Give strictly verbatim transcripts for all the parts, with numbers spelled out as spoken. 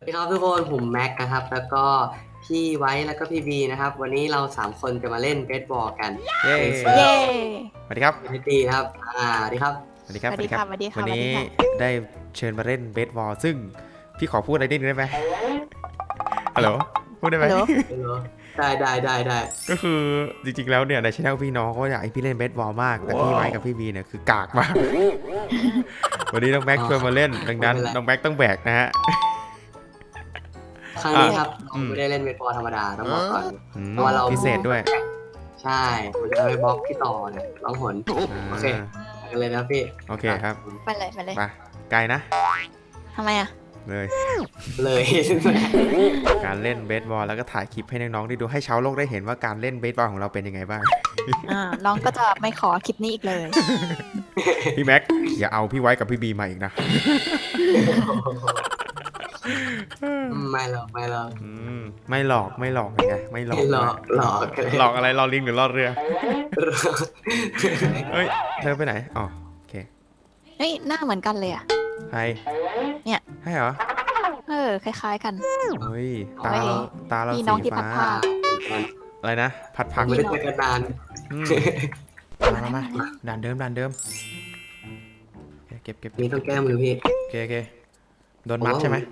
สวัสดีครับทุกคนผมแม็กนะครับแล้วก็พี่ไว้แล้วก็พี่บีนะครับวันนี้เราสามคนจะมาเล่นเบสบอลกันเย้ในเซิร์เย้ฟสวัสดีครับเอทีนะครับอ่าสวัสดีครับสวัสดีครับสวัสดีค่ะสวัสดีค่ะวันนี้สวัสดีค่ะได้เชิญมาเล่นเบสบอลซึ่งพี่ขอพูดอะไรนิดนึงได้ไหมฮัลโหลพูดได้ไหมฮัลโหลเออได้ได้ได้ได้ก็คือจริงๆแล้วเนี่ยในช่องพี่น้องเขาอยากให้พี่เล่นเบสบอลมากแต่พี่ไว้กับพี่บีเนี่ยคือกากมากวันนี้น้องแม็กชวนมาเล่นดังนั้นน้องแม็กต้องแบกนะฮะครั้งนี้ครับอืเรามไม่ได้เล่นเบสบอลธรรมดาต้องบอกก่อนอืมเพราะว่าเราพิเศษด้วยใช่ผมจะไปบล็อกที่ต่อเนี่ยร้องหนโอเคไปกันเลยนะพี่โอเคครับไปเลยไปเลยไปไกลนะทำไมอ่ะเลยเลยการเล่นเบสบอลแล้วก็ถ่ายคลิปให้น้องๆได้ดูให้ชาวโลกได้เห็นว่าการเล่นเบสบอลของเราเป็นยังไงบ้างอ่าน้องก็จะไม่ขอคลิปนี้อีกเลยพี่แม็กอย่าเอาพี่ไว้กับพี่บีมาอีกนะไม่หรอกไม่หรอกอืมไม่หลอกไม่หลอกเป็นไงไม่หลอกไม่หลอกหลอกกันเลยหลอกอะไรหลอกลิงหรือหลอกเรือเฮ้ยเธอไปไหนอ๋อโอเคเฮ้ยหน้าเหมือนกันเลยอ่ะใครเนี่ยให้เหรอเออคล้ายๆกันเฮ้ยตาเฮ้ยเราตาเราพี่น้องสีที่พัฟ้าดผ้าอะไรนะผัดผักไม่ได้เจอกันนานอืมมามามาด่านเดิมด่านเดิมโอเคเก็บเก็บนี่ต้องแก้มือพี่โอเคโอเคโดนมัดใช่ไหม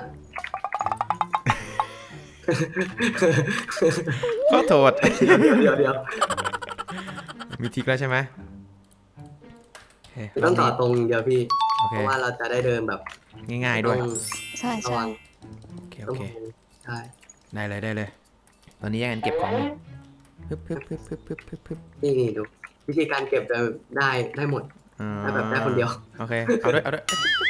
ขอโทษเดี๋ยวเดี๋ยวมีทิกแล้วใช่ไหมโอเคต้องต่อตรงเดียวพี่โอเพเคราะว่าเราจะได้เดินแบบง่ายๆด้วยต้องใช่ระใช่วังโอเคต้โอองเคใช่ได้เลยได้เลย ตอนนี้ยังเก็บของอยู่ปึ๊บปึ๊บปึ๊บปึ๊บปึ๊บปึ๊บปึ๊บนี่นี่ดูวิธีการเก็บจะได้ได้หมดอ่าได้แบบได้คนเดียวโอเค เอาด้วย เอาด้วย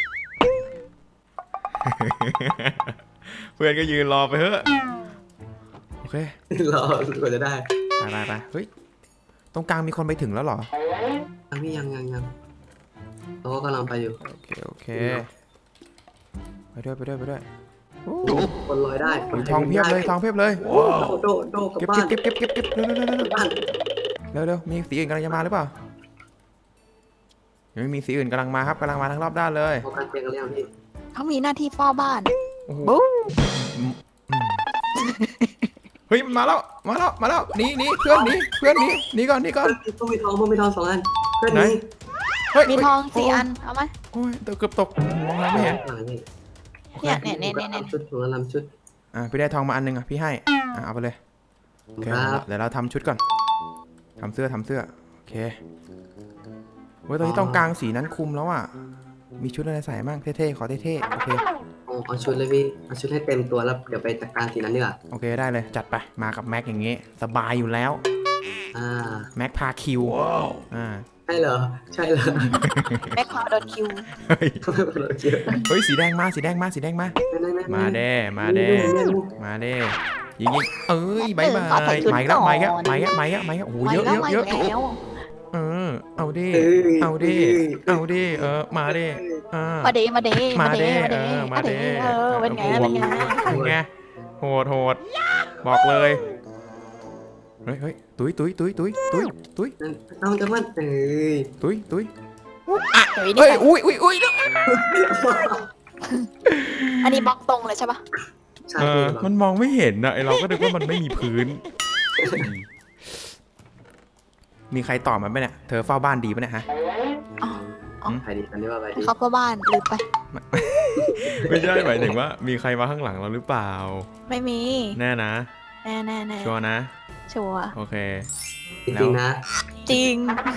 เพื่อนก็ยืนรอไปเถอะโอเครอกว่าจะได้ไปไปไปเฮ้ย ตรงกลางมีคนไปถึงแล้วเหรอยังพี่ยังยังยังเราก็กำลังไปอยู่โอเค โอเค ไปด้วย ไปด้วย ไปด้วยโอ้คนลอยได้คนทองเพียบเลย ทองเพียบเลยโอ้โดโดโดกลับเก็บบ้านเก็บเก็บเก็บเก็บเร็วเร็วเร็วเร็วบ้านเร็วเร็วมีสีอื่นกำลังจะมาหรือเปล่ายังไม่มีสีอื่นกำลังมาครับกำลังมาทั้งรอบด้านเลยพอกันเตียงกันแล้วพี่เขามีหน้าที่เฝ้าบ้านโอ้โหบู๊อืมอืมเฮ้ยมันมาแล้ว มาแล้ว มาแล้วหนีหนีเพื่อนหนีเพื่อนหนีหนีก่อนหนีก่อนต้องมีทองต้องมีทองสองอันเพื่อนไหนนี้เฮ้ยมีทองสี่โยอันเอาไหมโอ้ยตกเกือบตกมองอะไรไม่เห็นอ่านี่เนี่ยเนี่ยเนี่ยเนี่ยเนี่ยชุดถุงละลำชุดอ่ะพี่ได้ทองมาอันหนึงอ่ะพี่ให้อ่ะเอาไปเลยโอเคครับเดี๋ยวเราทำชุดก่อนทำเสื้อทำเสื้อโอเคเว้ยตอนนี้ต้องกลางสีนั้นคุมแล้วอ่ะมีชุดอะไรใส่บ้างเท่ๆขอเท่ๆโอเคเอาเอาชุดเลยพี่เอาชุดให้เต็มตัวแล้วเดี๋ยวไปจัดการสีนั้นดีกว่าโอเคได้เลยจัดไปมากับแม็กอย่างงี้สบายอยู่แล้วอ่าแม็กพาคิวอ่าใช่เหรอใช่เหรอแม็กพาโดนคิวเฮ้ยเราเจอเฮ้ยสีแดงมาสีแดงมาสีแดงมามาเด้มาเด้มาเด้ยิงยิงเอ้ยบายบายไม่แล้วไม่แล้วไม่แล้วไม่แล้วไม่แล้วโอ้โหมาเยอะแล้เยว อะมาเยอะแล้วเออเอาดิเอาดิเอาดิเออมาดิอ่ามาเดมาเดมามาเดเด้มาเดเออมาเด้เออเป็นไงเป็นไงเป็นไงโหดโหดบอกเลยเฮ้ยเฮ้ยตุ้ยตุ้ยตุ้ยตุ้ยตุ้ยตุ้ยต้องจะมันเอ้ยตุ้ยตุ้ยเฮ้ยเฮ้นี่ยอุ้ยอุ้ยอุ้ยอันนี้บล็อกตรงเลยใช่ปะใช่เอพี่อมันมองไม่เห็นนะไอเราก็นึกว่ามันไม่มีพื้น มีใครต่อมันไหมเนี่ยเธอเฝ้าบ้านดีปะเนี่ยฮะใครดีกันดีว่าไปดีเขาเฝ้าบ้านลืมไปไม่ใช่หมายถึงว่ามีใครมาข้างหลังเราหรือเปล่าไม่มีแน่นะแน่แน่แน่ชัวร์นะชัวร์โอเคจริงๆนะจริง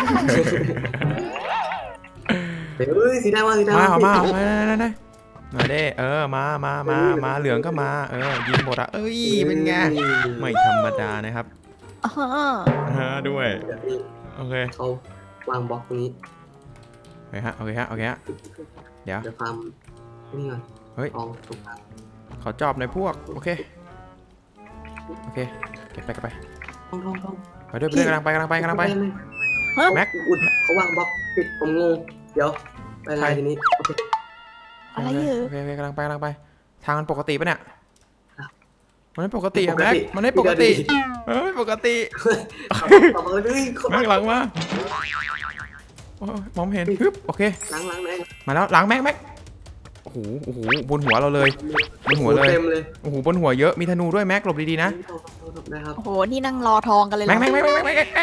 เฮ้ยสีแดงมาสีแดงมามามามามามามาเด้เออมามามามาเหลืองก็มาเออยิงหมดอ่ะเอ้ยเป็นไงไม่ธรรมดานะครับอ่าฮะฮะด้วยเดี๋ยวพี่โอเคเขาวางบล็อกตรงนี้โอเคฮะโอเคฮะโอเคฮะเดี๋ยวเดี๋ยวฟาร์มนี่ก่อนเฮ้ยทองตรงกลางขอจอบในอยพวกโอเคโอเคเก็บไปเก็บไปทองทองทองไปด้วยไปด้วยกำลังไปกำลังไปกำลังไป แม็กอุดเขาวางบล็อกปิดผมงงเดี๋ยวไปอะไรทีนี้โอเคอะไรอยู่โอเคโอเคกำลังไปกำลังไป ทางมันปกติปะเนี่ยครับมันไม่ปกติอะแม็กมันไม่ปกติมันไม่ปกติต่อมาเลยเขาแม็กหลังมาโอ้ยมองไม่เห็นฮึบโอเคล้างล้างแม่งมาแล้วหลังแม็กแม็กโอ้โหโอ้โหบนหัวเราเลยบนหัวเลยเต็มเลยโอ้โหบนหัวเยอะมีธนูด้วยแม็กหลบดีๆนะนะครับโอ้โห นี่นั่งรอทองกันเลยเหรแม็อกแม็กแม็กแม็กแม็กแม็ก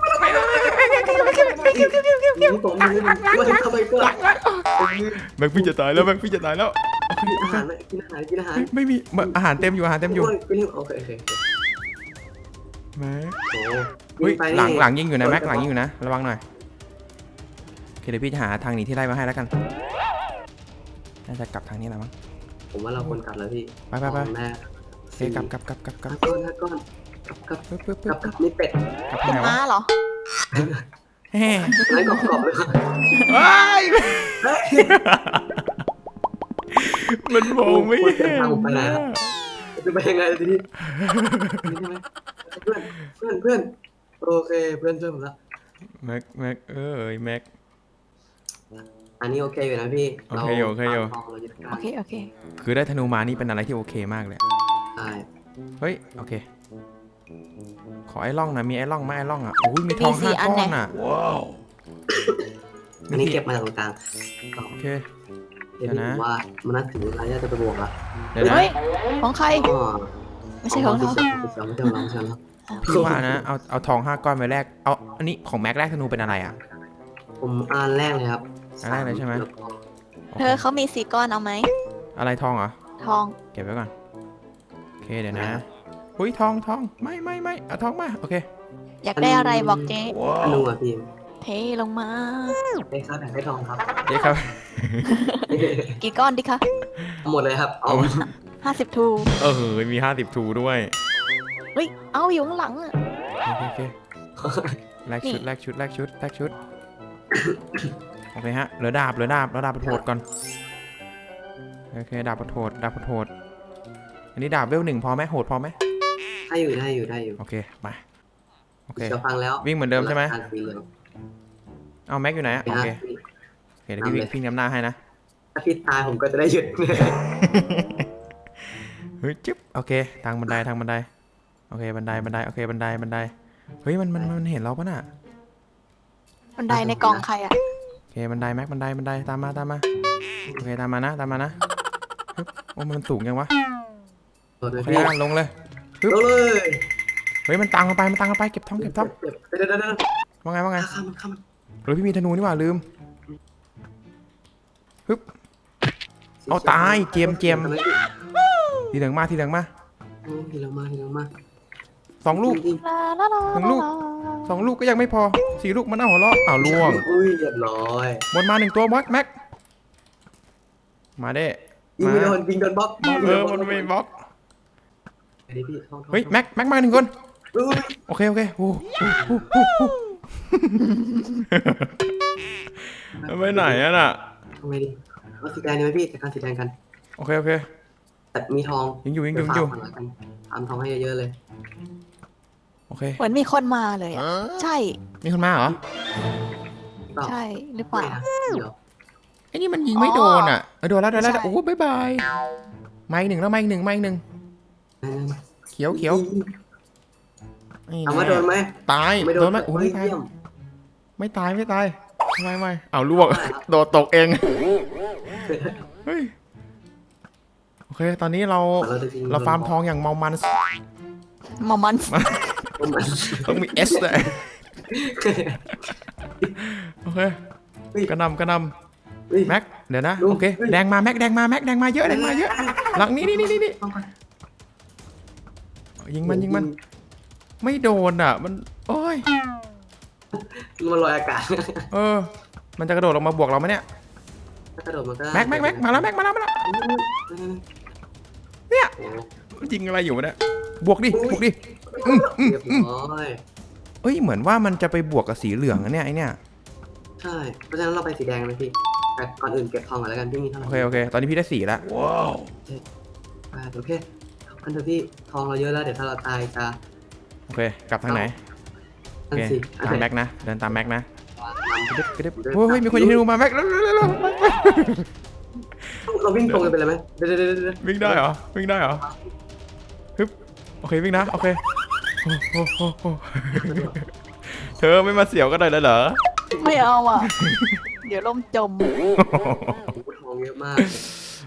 นี่ผมไม่ไม่ทำไมก็แม็กพี่จะตายแล้วแม็กพี่จะตายแล้วกินอาหารกินอาหารกินอาหารไม่มีอาหารเต็มอยู่อาหารเต็มอยู่โอเคโอเคแม็กโอ้เฮ้ยหลังหลังยิงอยู่นะแม็กหลังยิงอยู่นะระวังหน่อยโอเคเดี๋ยวพี่จะหาทางหนีที่ไล่มาให้แล้วกันน่าจะกลับทางนี้แหละมั้งผมว่าเราควรกลับแล้วพี่ไปไปไปแม่โอเคกลับกลับกลับกลับกลับก้อนก้อนกลับปึ๊บปึ๊บกปึ๊ลับบกลับนี่เป็ดกลับเป็นไหนวะม้าเหรอเฮ้ไร้กรอบๆเลยครับว้ายมันมองไม่เห็นจะไปยังไงทีนี้นี่ใช่ไหมเพื่อนเพื่อนเพื่อนโอเคเพื่อนช่วยผมละแม็กแม็กเอ้ยแม็กอันนี้โอเคอยู่นะพี่โอเคอยู่โอเคอยู่โอเค โอเคคือได้ธนูมานี่เป็นอะไรที่โอเคมากเลยใช่เฮ้ยโอเคขอไอ้ล่องหนะมีไอ้ล่องไหมไอ้ล่องอ่ะโอ้ยมีทองมีสี่ห้าอันก้อนไหนอ่ะอันนี้เก็บมาจากตรงกลางโอเคเดี๋ยวผมว่ามันน่าถึงเวลาจะไปบวกละเดี๋ยวนะเฮ้ย ของใครอ๋อไม่ใช่ของเราไม่ใช่ไม่ใช่ไม่ใช่ไม่ใช่พี่ว่านะเอาเอาทองห้าก้อนไปแลกเอาอันนี้ของแม็กแรกธนูเป็นอะไรอ่ะผมอ่านแรกเลยครับอันแรกเลยใช่ไหมเธอเขามีสี่ก้อนเอาไหมอะไรทองเหรอทองเก็บไว้ก่อนโอเคเดี๋ยวนะอุ้ยทองทองไม่ไม่ไม่เอาทองมาโอเคอยากได้อะไรบอกเจ๊ธนูอ่ะพี่เทลงมาได้ครับได้ทองครับเจ๊ครับกี่ก้อนดีคะหมดเลยครับเอาห้าสิบทูเออมีห้าสิบทูด้วยเฮ้ย เอาอยู่ข้างหลังอะโอเคโอเคแลกชุดแลกชุดแลกชุดแลกชุดโอเคฮะเหลือดาบเหลือดาบแล้วดาบโหดก่อนโอเคดาบโหดดาบโหดอันนี้ดาบเวลหนึ่งพอไหมโหดพอไหมได้อยู่ได้อยู่ได้อยู่โอเคไปโอเคจะฟังแล้ววิ่งเหมือนเดิมใช่ไหมเอาแม็กอยู่ไหนอะโอเคพี่โอเคเดี๋ยวพี่วิ่งวิ่งนำหน้าให้นะถ้าพี่ตายผมก็จะได้หยุดเฮ้ยจิ๊บโอเคทางบันไดทางบันไดโอเคบันไดบันไดโอเคบันไดบันไดเฮ้ยมันมันมันเห็นเราปะน่ะบันไดในกล่องใครอะโอเคบันไดแม็กบันไดบันไดตามมาตามมาโอเคตามมานะตามมานะฮึบโอ้มันสูงยังวะโอโอเคเคอ่ะลงเลยเอาเลยเฮ้ยมันตังกันไปมันตังกันไปเก็บทองเก็บทองเดี๋ยวเดี๋ยวเดี๋ยวว่าไงว่าไงข้ามมันข้ามมันเฮ้ยพี่มีธนูนี่หว่าลืมฮึบเอาตายเจมเจมทีเหลืองมาทีเหลืองมาทีละมาทีละมาสองลูกลาลาลาหนึ่งลูก สองลูกก็ยังไม่พอสี่ลูกมันเอาหัวเราะอ้าวล่วงอุ้ยเรียบร้อยบนมาหนึ่งตัวแม็กแม็กมาเด้ยิงมาไม่โดนยิงโดนบล็อกเออมันไม่บล็อกพี่เฮ้ยแม็กแม็กมาหนึ่งคนโอเคโอเคโอ้โหไปไหนอะน่ะทำไงดีเอาสีแดงดีไหมพี่จัดการสีแดงกันโอเคโอเคแต่มีทองยิงอยู่ยิงอยู่ยิงอยู่ทำทองให้เยอะๆเลยโอเคเหมือนมีคนมาเลยอะใช่มีคนมาเหรอใช่หรือเปล่าเดี๋ยวไอ้นี่มันยิงไม่โดนอ่ะเออโดนแล้วโดนแล้วโอ้บายบายมาอีกหนึ่งแล้วมาอีกหนึ่งมาอีกหนึ่งเขียวเขียวนี่ถามว่าโดนไหมตายไม่โดโดนนไหมโอ้ไม่ตายเยี่ยมไม่ตายไม่ตายไม่ไม่เอาล่วงโดดตกเองเฮ้ยโอเคตอนนี้เราเราฟาร์มทองอย่างเมามันมอมันต้องมีเอสเลยโอเคกระนำกระนำแม็กเดี๋ยวนะโอเคแดงมาแม็กแดงมาแม็กแดงมาเยอะแดงมาเยอะหลังนี้นี่นี่นี่ยิงมันยิงมันไม่โดนอ่ะมันโอ้ยมันลอยอากาศเออมันจะกระโดดลงมาบวกเราไหมเนี่ยกระโดดมันก็แม็กแม็กแม็กมาแล้วแม็กมาแล้วมาแล้วเนี่ยยิงอะไรอยู่เนี่ยบวกดิบวกดิอืมอืมเรียบอืมร้อยเอ้ยเหมือนว่ามันจะไปบวกกับสีเหลืองนะเนี่ยไอเนี่ยใช่เพราะฉะนั้นเราไปสีแดงเลยพี่แต่ก่อนอื่นเก็บทองก่อนแล้วกันพี่มีเท่าไหโอร่เคโอเคตอนนี้พี่ได้สีแล้วอ่าโอเคอันเถอะพี่ทองเราเยอะแล้วเดี๋ยวถ้าเราตายจะโอเคกลับทางไหนโอนั่นเคสิตามแม็กนะเดินตามแม็กนะกระดึบกระดึบโอ้ยมีคนยิงธนูมาแม็กเร็วเร็วเร็วเร็วเราวิ่งตรงกันไปเลยไหมเดี๋ยวเดี๋ยวเดี๋ยววิ่งได้เหรอวิ่งได้เหรอฮึบโอเควิ่งนะโอเคโอ้โหโอ้โหเธอไม่มาเสียวกันเลยเหรอไม่เอาอ่ะ เดี๋ยวล่มจมทองเยอะมาก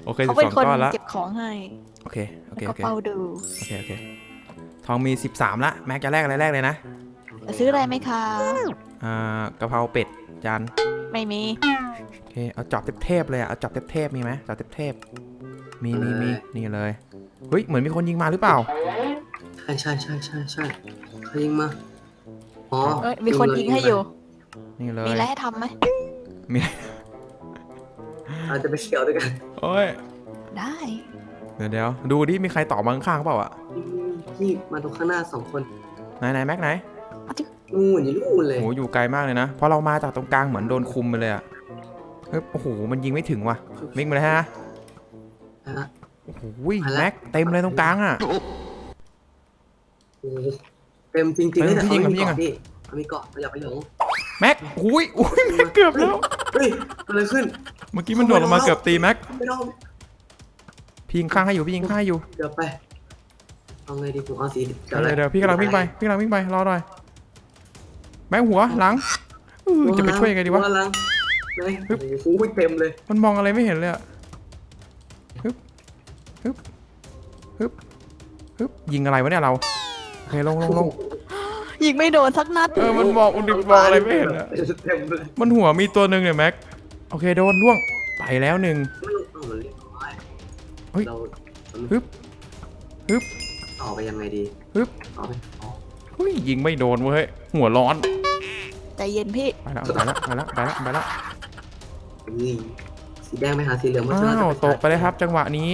โอเคเขาสิบเป็นสองคนก้อนละเก็บของให้โอเคโอเคแล้วโอก็เคเฝ้าดูโอเคโอเคทองมีสิบสามละแม็กจะแรกอะไรแรกเลยนะจะซื้ออะไรไหมคะอ่ากะเพราเป็ดจานไม่มีโอเคเอาจอบเทพๆเลยอะเอาจอบเทพๆมีไหมจอบเทพๆมีมีมีนี่เลยเฮ้ยเหมือนมีคนยิงมาหรือเปล่าใช่ใช่ใช่ใช่ใช่เขายิงมาอ๋อเอ้ยมีคนยิงให้อยู่นี่เลยมีอะไรให้ทำไหมมีอาจจะไปเฉียวด้วยกันโอ้ยได้เดี๋ยวเดี๋ยวดูดิมีใครต่อมาข้างๆเปล่าอะพี่มาตรงข้างหน้าสองคนไหนไหนแม็กไหนนู่นอยู่นู่นเลยโหอยู่ไกลมากเลยนะเพราะเรามาจากตรงกลางเหมือนโดนคุมไปเลยอะเฮ้ยโอ้โหมันยิงไม่ถึงว่ะวิ่งมาเลยฮะฮะโอ้โหแม็กเต็มเลยตรงกลางอะโอ้โหเต็มจริงๆเลยแต่เฮ้ยเขาพี่ยิงมีก่อนเกาะพี่เขามีเกาะอย่าไปหลงแม็กอุ้ยอุ้ยแม็กเกือบแล้วเฮ้ยอะไรขึ้นเมื่อกี้มันโดดลงมาเกือบตีแม็กไม่ต้องพี่ยิงข้างให้อยู่พี่ยิงข้างให้อยู่เดี๋ยวไปเอาไงดีผมเอาสีเดี๋ยวเดี๋ยวพี่กำลังวิ่งไปพี่กำลังวิ่งไปรอหน่อยแม็กหัวหลังเออจะไปช่วยยังไงดีวะหัลังไหนโอ้โหเต็มเลยมันมองอะไรไม่เห็นเลยอะฮึบฮึบฮึบฮึบยิงอะไรวะเนี่ยเราโอเคลงลงลงยิงไม่โดนสักนัดเออมันมองมันมองอะไรไม่เห็นอะเต็มเลยมันหัวมีตัวหนึ่งเนี่ยแม็กโอเคโดนล่วงไปแล้วหนึ่งไม่รู้เอามันเรียกว่าเฮ้ยเราฮึบฮึบต่อไปยังไงดีฮึบต่อไปอ๋อเฮ้ยยิงไม่โดนเว้ยหัวร้อนใจเย็นพี่ไปแล้วไปแล้วไปแล้วไปแล้วไปแล้วนี่สีแดงไปหาสีเหลืองมาอ้าวตกไปเลยครับ จังหวะนี้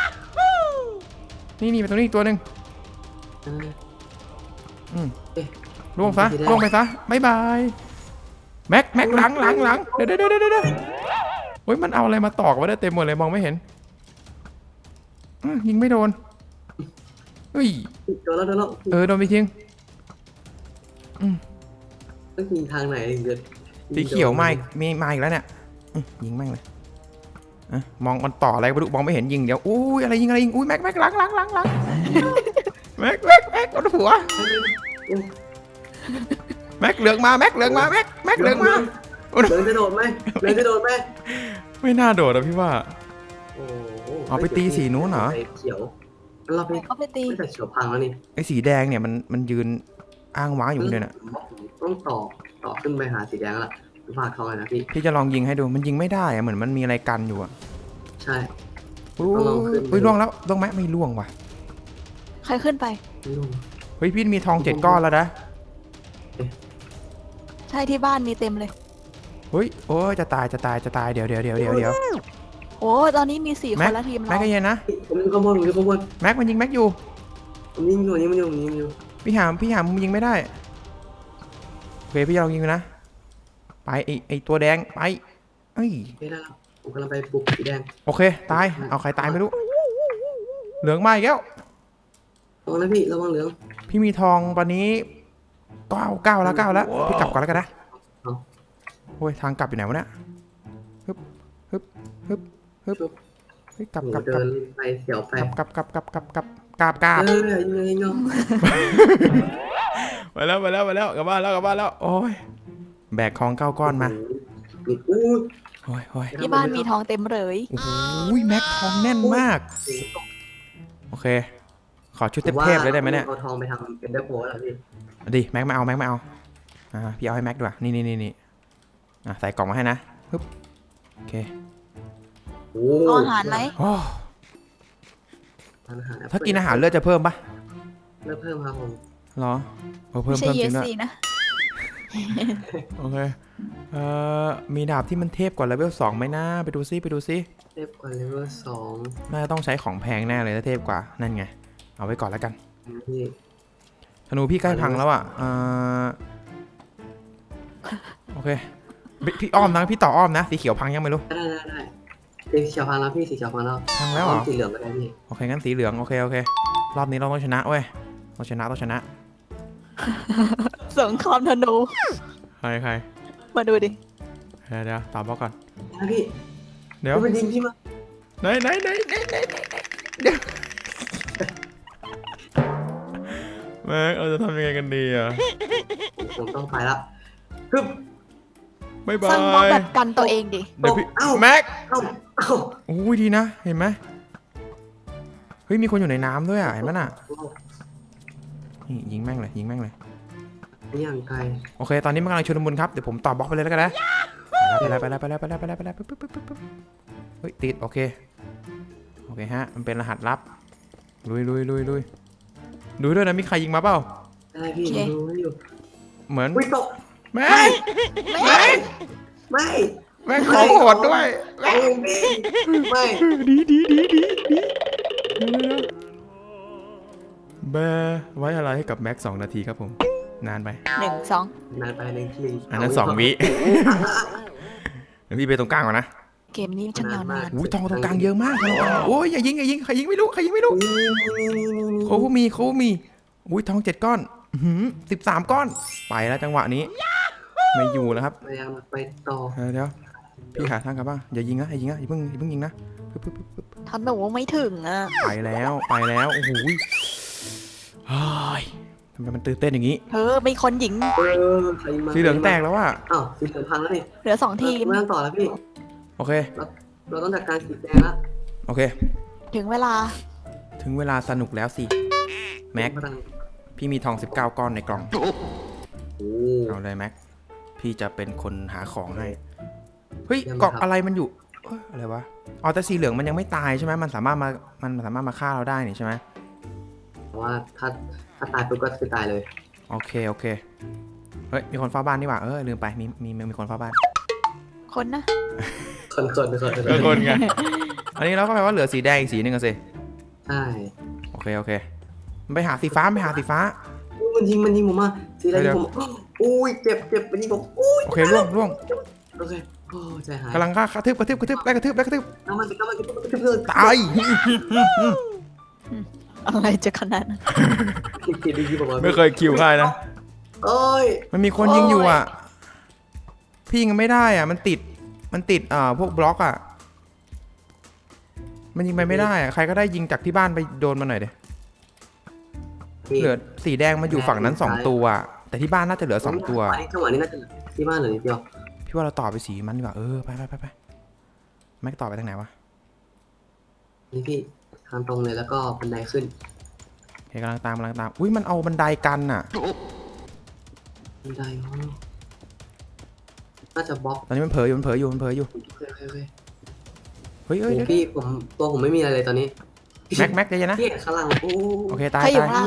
นี่นี่ไปตรงนี้อีกตัวหนึ่งเอออืมเอ๊ะล่วงซะล่วงไปซะบายบายแม็กแม็กหลังหลังหลังเดี๋ยวเดี๋ยวเดี๋ยวเดี๋ยวเฮ้ยมันเอาอะไรมาตอกไว้ได้เต็มหมดเลยมองไม่เห็นอื้อยิงไม่โดนเฮ้ยโดนแล้วโดนแล้วเออโดนไปทิ้งอืมต้องยิงทางไหนถึงจะสีเขียวมาอีกมีมาอีกแล้วเนี่ยอื้อยิงแม่งเลยอ่ะมองมันต่ออะไรไม่รู้มองไม่เห็นยิงเดี๋ยวอุ้ยอะไรยิงอะไรยิงอุ้ยแม็กแม็กหลังหลังหลังหลังแม็กแม็กแม็กโดนหัวแม็กเหลืองมาแม็กเหลืองมาแม็กแม็กเหลืองมาเหลืองจะโดดไหมเหลืองจะโดดไหมไม่น่าโดดอะพี่ว่าโอ้โหเอาไปตีสีนู้นเหรอไปเขียวเราไปเขาไปตีไม่แต่เขียวพังแล้วนี่ไอ้สีแดงเนี่ยมันมันยืนอ้างว้างอยู่เลยน่ะต้องต่อต่อขึ้นไปหาสีแดงแล้วล่ะฝากทองเลยนะพี่พี่จะลองยิงให้ดูมันยิงไม่ได้อะเหมือนมันมีอะไรกันอยู่อะใช่อุ้ต้องลองขึ้นยล่วงแล้วล่วงไหมไม่ล่วงว่ะใครขึ้นไปไม่รู้เฮ้ยพี่มีทองเจ็ดก้อนแล้วนะใช่ที่บ้านมีเต็มเลยเฮ้ยโอ้ยจะตายจะตายจะตายเดี๋ยวเดี๋ยวเดี๋ยวเดี๋ยวเดี๋ยวโอ้ตอนนี้มีสี่คแม็กนละทีมแม็กเราก็เย็นนะผมยิงข้างบนผมยิงข้างบนแม็กมันยิงแม็กอยู่ผมยิงอยู่นี่มันอยู่นี่มันอยู่พี่หามพี่หามมึงยิงไม่ได้โอเคพี่จะลองยิงดูนะไปไอไอตัวแดงไปเอ้ยไม่ได้แล้วผมกำลังไปปลุกสีแดงโอเคตายเอาใครตายไม่รู้เหลืองมาอีกแล้วระวังนะพี่ระวังเหลืองพี่มีทองตอนนี้เก้าเก้าแล้วเก้าแล้วพี่กลับก่อนแล้วกันนะโอ้ยทางกลับอยู่ไหนวะเนี่ยฮึบฮึบฮึบฮึบเฮ้ยกลับหนูกลับกเดิลับนไปเสียวไปกลับกลับกลับกลับกลับกลับกลับกลับเออยิงยิงยิงไปแล้วไปแล้วไปแล้วกลับบ้านแล้วกลับบ้านแล้วโอ้ยแบกของเก้าก้อนมาอู้โอ้ยโอ้ยที่บ้านมีทองเต็มเลยโอ้โหแม็กทองแน่นมากโอเคขอชุดเทพๆเลยได้ไหมเนี่ยเอาทองไปทำเป็นเดอร์โพสแล้วพี่ดิแม็กมาเอาแม็กมาเอาอ่าพี่เอาให้แม็กดีกว่านี่นี่นี่นี่อ่ะใส่กล่องมาให้นะปึ๊บโอเคโอ้เอาอาหารไหมโอ้อาหารถ้ากินอาหารเลือดจะเพิ่มปะเริ่มเพิ่มครับผมเหรอเออเพิ่ไม่มใช่เพิ่มเยจริงด้วยสีนะโอเคเอ่อมีดาบที่มันเทพกว่าเลเวลสองไหมนะไปดูซิไปดูซิเทพกว่าเลเวลสองน่าจะต้องใช้ของแพงแน่เลยถ้าเทพกว่านั่นไงเอาไว้ก่อนแล้วกันพี่ธนูพี่ใกล้พังแล้วอ่ะอ่าโอเคพี่พี่อ้อมนะพี่ต่ออ้อมนะสีเขียวพังยังไม่รู้ได้ได้ได้สีเขียวพังแล้วพี่สีเขียวพังแล้วพังแล้วเหรอสีเหลืองก็ได้พี่โอเคงั้นสีเหลืองโอเคโอเครอบนี้เราต้องชนะเว้ยต้องชนะต้องชนะสงครามธนูใครใครมาดูดิเดี๋ยวเดี๋ยวตามบล็อกก่อนนะพี่เดี๋ยวมันยิงพี่มาไหนไหนไหนไหนไหนไหนเดี๋ยวแม็กเราจะทำยังไงกันดีอ่ะผมต้องไปละฮึบบ๊ายบาสร้างบล็อกยแบบกันตัวเองดิเดี๋ยวพี่เอ้าแม็กเอ้าอ้าโอ้ยดีนะเห็นไหมเฮ้ยมีคนอยู่ในน้ำด้วยอ่ะเห็นไหมน่ะนี่ยิงแม่งเลยยิงแม่งเลยนี่อย่างไกลโอเคตอนนี้มันกำลังชุลมุนครับเดี๋ยวผมต่อบล็อกไปเลยแล้วกันนะไปแล้วไปแล้วไปแล้วไปแล้วไปแล้วไปแล้วปึ๊บปึ๊บปึ๊บปึ๊บเฮ้ยติดโอเคโอเคฮะมันเป็นรหัสลับลุยลุยลุยลุยดูด้วยนะมีใครยิงมาเปล่าได้พี่ดูให้อยู่เหมือนอุ้ยตกแม่ไม่ ไม่แม่งขอโหดด้วยไม่ไม่ดีดีดีดีดีแบร์ไว้อะไรให้กับแม็กสองนาทีครับผมนานไปหนึ่งสองนานไปหนึ่งหนึ่งอันนั้นสองวิเดี๋ยวพี่ไปตรงกลางก่อนนะเกมนี้ช่างยาวนานอุ้ยทองตรงกลางเยอะมากทองตรงกลางโอ้ยอย่ายิงอย่ายิงใครยิงไม่รู้ใครยิงไม่รู้โคฟูมีโคฟูมีอุ้ยทองเจ็ดก้อนสิบสามก้อนไปแล้วจังหวะนี้ไม่อยู่แล้วครับพยายามไปต่อเออเดี๋ยวพี่หาทางกลับบ้างอย่ายิงนะอย่ายิงนะอย่าเพิ่งอย่าเพิ่งยิงนะปึ๊บปึ๊บปึ๊บปึ๊บทันแบบว่าไม่ถึงอ่ะไปแล้วไปแล้วโอ้โหเฮ้ยทำไมมันตื่นเต้นอย่างนี้เธอมีคนหญิงเออใครมาสีเหลืองแตกแล้วอ่ะอ้าวสีเหลืองพังแล้วนี่เหลือสองทีมไม่ต้องต่อแล้วพี่โอเคเราต้องจัดการสีแดงละโอเคถึงเวลาถึงเวลาสนุกแล้วสิแม็กพี่มีทองสิบเก้าก้อนในกล่องโอ้เอาเลยแม็กพี่จะเป็นคนหาของให้เฮ้ยเกาะอะไรมันอยู่เอ้ยอะไรวะอ๋อแต่สีเหลืองมันยังไม่ตายใช่ไหมมันสามารถมามันสามารถมาฆ่าเราได้นี่ใช่ไหมเพราะว่าถ้าถ้าตายปุ๊บก็คือตายเลยโอเคโอเคเฮ้ยมีคนเฝ้าบ้านนี่หว่าเออลืมไปมีมีมีคนเฝ้าบ้านคนนะคนคนคนเออคนไงอันนี้เราก็แปลว่าเหลือสีแดงอีกสีหนึ่งอะสิใช่โอเคโอเคมันไปหาสีฟ้าไปหาสีฟ้าอุ๊ยมันยิงมันยิงผมมาสีอะไรยิงผมอุ้ยเจ็บเจ็บมันยิงผมอุ้ยโอเคล่วงล่วงโอเคโอ้ใจหายกำลังฆ่ากระทืบกระทืบกระทืบไล่กระทืบไล่กระทืบน้ำมันน้ำมันกระทืบกระทืบเลยตายอะไรจะขนาดนั้นคิดดีๆผมว่าไม่เคยคิวใครนะโอ้ยมันมีคนยิงอยู่อ่ะพี่ยิงไม่ได้อ่ะมันติดมันติดอ่าพวกบล็อกอ่ะมันยิงไปไม่ได้อ่ะใครก็ได้ยิงจากที่บ้านไปโดนมันหน่อยเดี๋ยเหลือสีแดงมันอยู่ฝั่งนั้นสองตัวอ่ะแต่ที่บ้านน่าจะเหลือสองตัวจังหวะนี้น่าจะที่บ้านเหลือนิดเดียวพี่ว่าเราต่อไปสีมันดีกว่าเออไปไปไปไปแม็กต่อไปทางไหนวะนี่พี่ทางตรงเลยแล้วก็บันไดขึ้นเฮ้ยกำลังตามกำลังตามอุ้ยมันเอาบันไดกันอ่ะบันไดอ๋อน่าจะบล็อกตอนนี้มันเผลออยู่มันเผลออยู่มันเผลออยู่โอเคโอเคโอเคเฮ้ยโอ้เฮ้ยเดี๋ยวพี่ผมตัวผมไม่มีอะไรเลยตอนนี้แม็กแม็กใจเย็นนะพี่ข้างล่างโอ้โอเคตายใครอยู่ตายข้างล่าง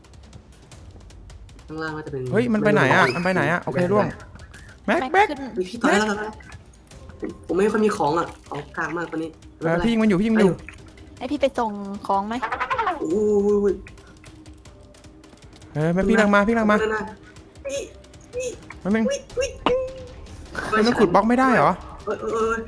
ข้างล่างน่าจะเป็นเฮ้ยมันไปไหนอ่ะมันไปไหนอ่ะโอเคร่วงแม็กแม็กขึ้นพี่พี่ตายแล้วตายแล้วผมไม่ค่อยมีของอ่ะเอากลางมากตอนนี้เออพี่ยิงมันอยู่พี่ยิงมันอยู่ให้พี่ไปส่งของไหมโอ้ยเออแม็กพี่ลังมาพี่ลังมาพี่พี่มันมันวิวิมันขุดบล็อกไม่ได้เหรอเออเออเออ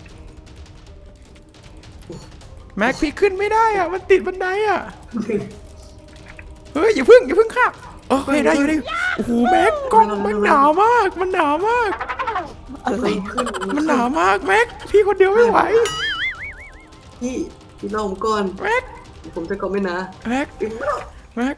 แม็กพี่ขึ้นไม่ได้อ่ะมันติดบันไดอ่ะเฮ้ยอย่าพึ่งอย่าพึ่งค่ะโอเคได้อยู่ได้อยู่โอ้โหแม็กกล้องมันหนาวมากมันหนาวมากอะไรมันหนาวมากแม็กพี่คนเดียวไม่ไหวพี่พี่รอผมก่อนแม็กผมจะก่อนไม่นะแม็กพี่ไม่รอแม็ก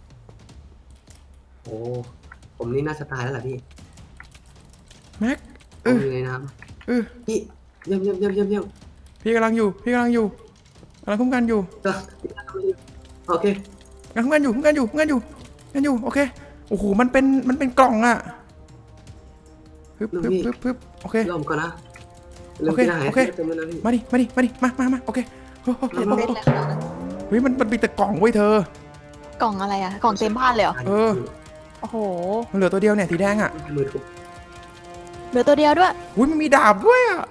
โอ้ผมนี่น่าจะตายแล้วแหละพี่แม็กผเอมออยู่ในน้เออำพี่เยี่ยมเยี่ยมเยี่ยมเยี่ยมเยี่ยมพี่กำลังอยู่พี่กำลังอยู่กำลังคุ้มกันอยู่โอเคกำลังคุ้มกันอยู่คุ้มกันอยู่คุ้มกันอยู่คุ้มกันอยู่โอเคโอ้โหมันเป็นมันเป็นกล่องอ่ะปึ๊บปึ๊บปึ๊บปึ๊บโอเครอผมก่อนนะโอเคโอเค มาดิมาดิมาดิมามามาโอเคโอ้โหเต็มเต็มเลยขนาดนั้นเฮ้ยมันมันมีแต่กล่องไว้ยเธอกล่องอะไรอ่ะ กล่องเต็มบ้านเลยเหรอเออโอ้โหมันเหลือตัวเดียวเนี่ยสีแดงอ่ะมือถูกเหลือตัวเดียวด้วยอุ้ยมันมีดาบด้วยอ่ะ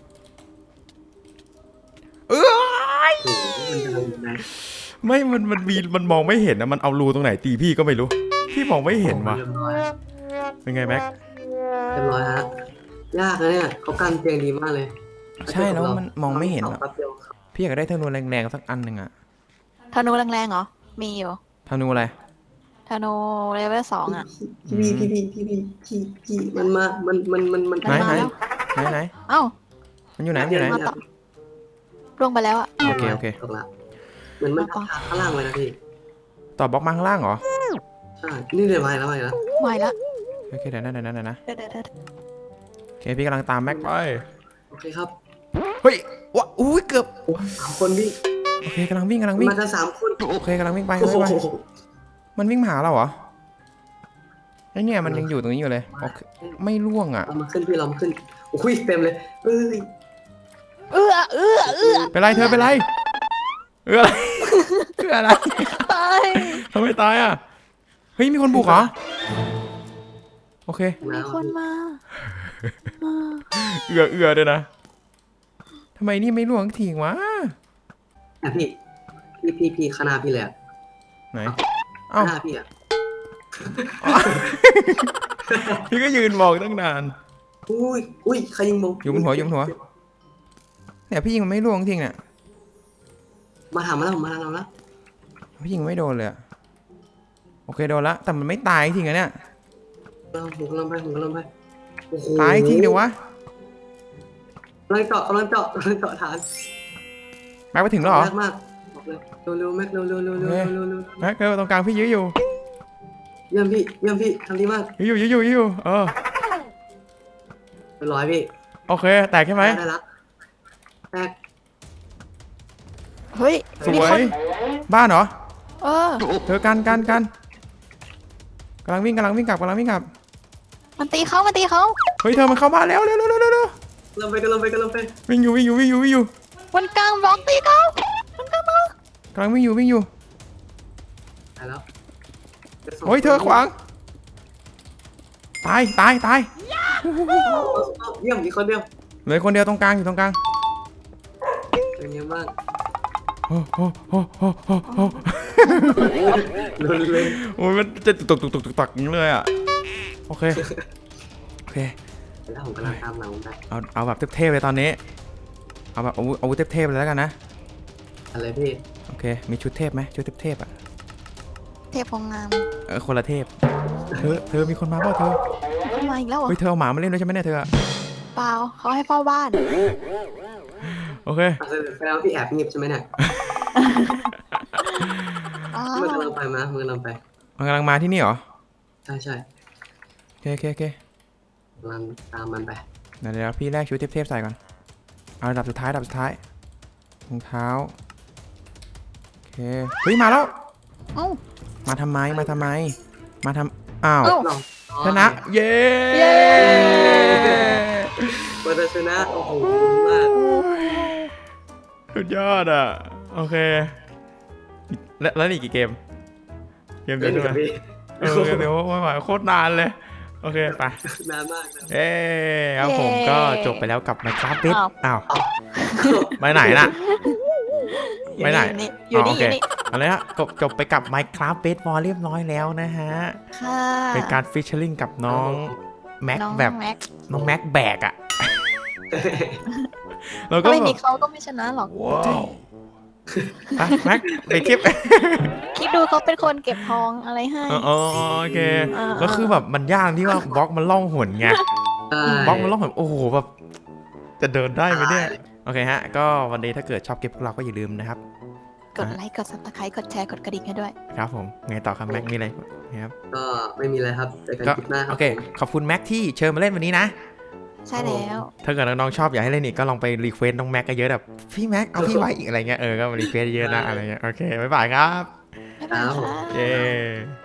เออโอ้มันจะลงไหนไม่มันมันมีมันมองไม่เห็นนะมันเอารูตรงไหนตีพี่ก็ไม่รู้พี่มองไม่เห็นว่ะเรียบร้อยเป็นไงแม็กเรียบร้อยฮะยากนะเนี่ยเขากันเตียงดีมากเลยใช่แล้วมันมองไม่เห็นอ่ะแป๊บเดียวพี่อยากได้ธนูแรงๆสักอันหนึ่งอ่ะธนูแรงๆเหรอ มีอยู่ธนูอะไรธนูเลเวลสองอ่ะพี่พี่พี่พี่พี่พี่พี่มันมา มันมันมันมันไหนไหนมาแล้วไหนไหนเอ้ามันอยู่ไหนมันอยู่ไหนมาต่อ ร่วงไปแล้วอ่ะโอเคโอเคตกละเหมือนมันทับข้างล่างไว้นะพี่ต่อบล็อกมาข้างล่างเหรอใช่นี่เดี๋ยวไปแล้วไปแล้วไหวละโอเคเดี๋ยวนะเดี๋ยวนะเดี๋ยวนะเดี๋ยวเดี๋ยวเดี๋ยวโอเคพี่กำลังตามแม็กไปโอเคครับเฮ้ยว้าอุ้ยเกือบโอ้สามคนพี่โอเคกำลังวิ่งกำลังวิ่งมากันสามคนโอเคกำลังวิ่งไปโอ้กำลังวิ่งไปโหมันวิ่งมาหาเราเหรอไอเนี่ยมันยังอยู่ตรงนี้อยู่เลยโอเคไม่ล่วงอ่ะเรามาขึ้นพี่เรามาขึ้นโอ้ยเต็มเลยเอ้ยเอื้อเอื้อเอื้อเป็นไรเธอเป็นไรเอออะไรเอออะไรตายทำไมตายอ่ะเฮ้ยมีคนบุกเหรอโอเคมีคนมาอ่าเอือเอือด้วยนะทำไมนี่ไม่ล่วงทิ้งวะอ่ะพี่พี่พี่พี่ข้างหน้าพี่เลยอะไหนข้าเอ้างหน้าพี่อะพี่ก็ยืนมองตั้งนานอุ้ยอุ้ยใครยิงมุกอยู่บนหัวอยู่บนหัว เนี่ยพี่ยิงมันไม่ล่วงทิ้งเนี่ยมาถามมาแล้วมาถามเราแล้วพี่ยิงไม่โดนเลยอะโอเคโดนละแต่มันไม่ตายทิ้งอะเนี่ยเราผมกำลังไปผมกำลังไปโอ้โหตายทิ้งเดี๋ยววะกำลังเจาะกำลังเจาะกำลังเจาะฐานแม็กไปถึงแล้วเหรอแม็กมากบอกเลยเร็วๆแม็กเร็วๆเร็วๆเร็วๆเร็วๆเร็วๆเร็วแม็กเออตรงกลางพี่ยื้ออยู่ๆเยี่ยมพี่เยี่ยมพี่ทำดีมากยื้ออยู่ยื้ออยู่ยื้ออยู่เออเรียบร้อยพี่โอเคแตกใช่ไหมได้ละแตกเฮ้ยสมีวคนยบ้านเหรอเออเธอกันกันกันกำลังวิ่งกำลังวิ่งกลับกำลังวิ่งกลับมันตีเขามันตีเขาเฮ้ยเธอมันเข้าบ้านแล้วเร็วเร็วเร็วเร็วเร็วกำลังไปกำลังไปกำลังไปวิ่งอยู่วิ่งอยู่วิ่งอยู่วิ่งอยู่วันกลางบล็อกตีเขามันกลางบล็อกกำลังวิ่งอยู่วิ่งอยู่ตายแล้วโอ้ยเธอขวางตายตายตายเอาเยี่ยมอีกคนเดียวเหลือคนเดียวตรงกลางอยู่ตรงกลางเป็นยังบ้างโอ้โหโอ้โหโอ้โหลุนเลยโอ้ยมันจะตุกตุกตุกตุกตักอย่างนี้เลยอ่ะโอเคโอเคแล้วผมกำลังตามหลังผมไปเอาเอาแบบเทพๆเลยตอนนี้เอาแบบอาวุธอาวุธเทพๆเลยแล้วกันนะอะไรพี่โอเคมีชุดเทพไหมชุดเทพๆอ่ะเทพพงงามเออคนละเทพเธอเธอมีคนมาเปล่าเธอขึ้นมาอีกแล้วเหรอเฮ้ยเธอเอาหมามาเล่นด้วยใช่ไหมเนี่ยเธออะเปล่าเขาให้เฝ้าบ้านโอเคอ่ะแสดงว่าพี่แอบเงียบใช่ไหมเนี่ยอ้ามันวกำลังไปมามันกำลังไปมันกำลังมาที่นี่เหรอใช่ใช่โอเคโอเคโอเคกำลังตามมันไปเดี๋ยวเดี๋ยวพี่แรกชุดเทพๆใส่ก่อนเอาระดับสุดท้ายระดับสุดท้ายรองเท้าโอเคเฮ้ยมาแล้วเอ้ามาทำไมมาทำไม มาทำอ้าวเอ้าลองชนะเย้เย้เปิดชนะโอ้โหมากสุดยอดอ่ะโอเคแล้วแล้วอีกกี่เกมเกมเดีเล่ยวน ใช่ไหมกับพี่เออเกมเดียวไม่ไหวโคตรนานเลยโอเคไปนานมากนะเอ้ครับผมก็จบไปแล้วกับ Minecraft Bed อ้าวไปไหนน่ะ ไปไหนอยู่นี่อ๋อโออเคยู่นี่เอาเลยฮะจบจบไปกับ Minecraft Bed War เรียบร้อยแล้วนะฮะค่ะเป็นการฟิชเชอร์ลิงกับน้องแม็กน้องแบบแม็กน้องแม็กแบกอ่ะแล้วก็ถ้าไม่แบมีบเขาก็ไม่ชนะหรอกว้าวไปแม็กไปคลิปคิดดูเขาเป็นคนเก็บทองอะไรให้อ๋อโอเคอ่าก็คือแบบมันยากที่ว่าบล็อกมันล่องหนไงใช่บล็อกมันล่องหนโอ้โหแบบจะเดินได้ไหมเนี่ยโอเคฮะก็วันนี้ถ้าเกิดชอบคลิปพวกเราก็อย่าลืมนะครับกดไลค์ กด subscribe กดแชร์ กดกระดิ่งให้ด้วยครับผมไงต่อครับแม็กมีอะไรนะครับก็ไม่มีอะไรครับเจอกันก็คลิปหน้าครัโอบ เคขอบคุณแม็กที่เชิญมาเล่นวันนี้นะใช่แล้วถ้าเกิดน้องๆชอบอยากให้เล่นอีกก็ลองไปรีเควสน้องแม็กกันเยอะแบบพี่แม็กเอาพี่ไว้อีกอะไรเงี้ยเออก็มารีเควสเยอะนะอะไรเงี้ยโอเคบ๊ายบายครับบ๊ายบายค่ะเย้